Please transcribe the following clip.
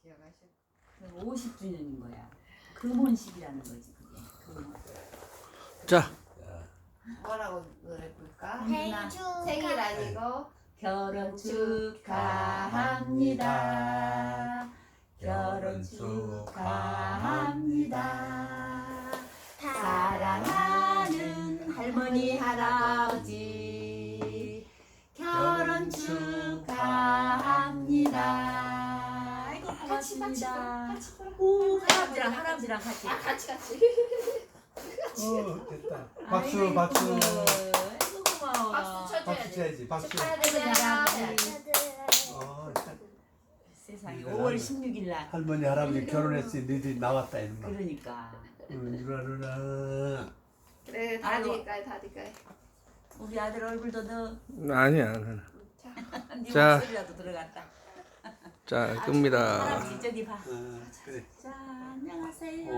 기억하셔. 50주년인 거야. 금혼식이라는 거지 그게. 금혼. 자, 뭐라고 노래 부를까? 생일 생일 아니고 결혼 축하합니다. 결혼 축하합니다. 사랑하는 할머니 할아버지 결혼 축하합니다. 아이고 고맙습니다. 오 할아버지랑 같이. 같이. 됐다. 박수 아이고, 박수. 아이고 고마워. 박수 쳐줘야 박수 돼. 쳐야지. 박수. 축하드려요. 참. 세상에 5월 16일 날. 할머니 할아버지 결혼했으니 너희들이 나왔다 이놈아. 그러니까 누나. 그래 아이고. 다디까이. 우리 아들 얼굴도 너 아니야. 네 자. 목소리라도 들어갔다. 자, 끕니다. 할아버지 저기 봐. 그래. 자 안녕하세요.